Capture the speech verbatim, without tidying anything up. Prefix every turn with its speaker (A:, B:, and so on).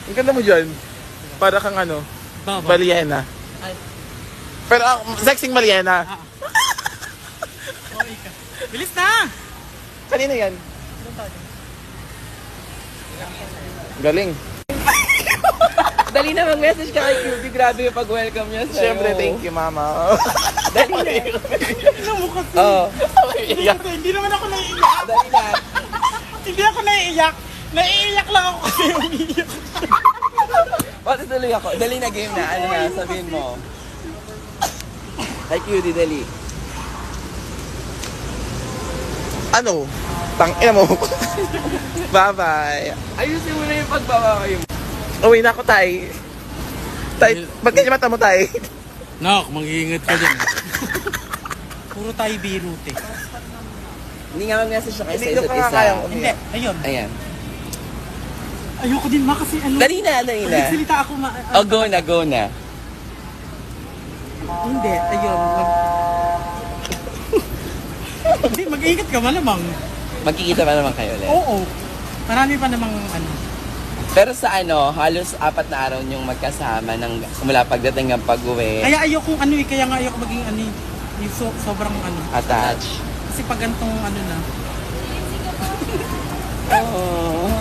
A: Ang ganda mo dyan. Para kang ano,
B: Baba.
A: Baliena.
B: Ay.
A: Pero ang sexing Baliena.
B: Ah. Oh, ika. Bilis na!
A: Kanina yan. Galing.
C: Dali na mag-message ka kay Cutie. Grabe yung pag-welcome niya sa'yo.
A: Siyempre, thank you, mama.
C: Dali na.
B: Tingnan mo kasi.
C: Oo.
B: Siyempre, hindi naman ako naiiyak.
C: Dali na.
B: Hindi ako naiiyak. Naiiyak lang ako kasi umiiyak.
C: Pati tuloy ako. Dali na game na. Ano na, sabihin mo. Kay Cutie, dali.
A: Ano? Tangina mo. Bye-bye.
C: Ayusin mo na yung pagbaba kayo.
A: Uwi na ako, tay. Tay, ba't ganyan mata mo, tay?
B: Nak, mag-iingat ka dyan. Puro tayo birute.
C: Hindi nga mag-message siya kayo sa
A: Hindi
C: isa't
A: ko
C: isa.
A: kayang
B: Hindi,
A: umiyak.
B: ayun.
C: Ayan.
B: Ayoko din ma kasi ano.
C: Dali na, dali na.
B: Nagsalita ako ma...
C: Oh, go na, go na.
B: Hindi, ayun. Mag... Hindi, mag-iingat ka malamang.
C: Magkikita pa naman kayo ulit.
B: Oo. Marami pa namang ano.
C: Pero sa ano, halos apat na araw niyong magkasama ng mula pagdating ng pag-uwi.
B: Kaya ayoko ano eh, kaya nga ayoko maging ano eh. Yung so, sobrang ano.
C: Attach.
B: Kasi pag gantong ano na.
C: Oh.